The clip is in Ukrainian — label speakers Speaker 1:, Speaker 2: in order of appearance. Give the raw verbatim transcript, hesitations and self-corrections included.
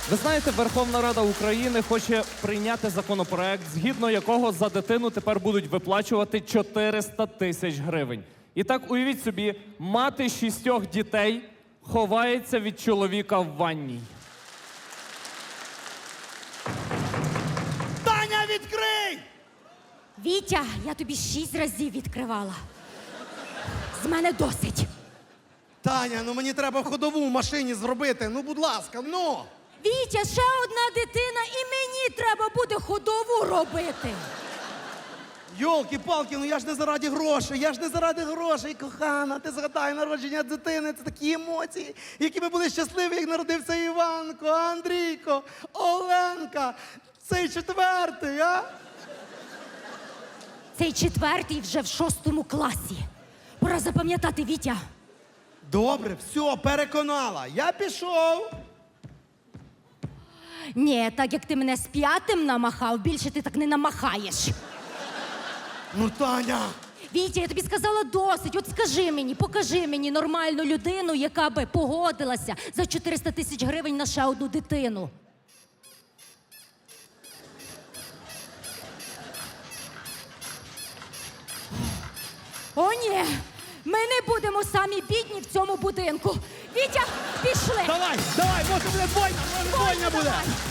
Speaker 1: Ви знаєте, Верховна Рада України хоче прийняти законопроект, згідно якого за дитину тепер будуть виплачувати чотириста тисяч гривень. І так, уявіть собі, мати шістьох дітей ховається від чоловіка в ванній.
Speaker 2: Таня, відкрий!
Speaker 3: Вітя, я тобі шість разів відкривала. З мене досить.
Speaker 2: Таня, ну мені треба ходову в машині зробити. Ну, будь ласка, ну!
Speaker 3: Вітя, ще одна дитина, і мені треба буде ходову робити.
Speaker 2: Йолки-палки, ну я ж не заради грошей, я ж не заради грошей, кохана. Ти згадай народження дитини, це такі емоції, які ми були щасливі, як народився Іванко, Андрійко, Оленка. Цей четвертий, а?
Speaker 3: Цей четвертий вже в шостому класі. Пора запам'ятати, Вітя.
Speaker 2: Добре, все, переконала. Я пішов.
Speaker 3: Ні, так як ти мене з п'ятим намахав, більше ти так не намахаєш.
Speaker 2: Ну, Таня.
Speaker 3: Вітя, я тобі сказала досить. От скажи мені, покажи мені нормальну людину, яка би погодилася за чотириста тисяч гривень на ще одну дитину. О, ні! Ми не будемо самі бідні в цьому будинку. Вітя, пішли!
Speaker 2: Давай, давай, може буде двойня, може двойня буде.
Speaker 3: Давай.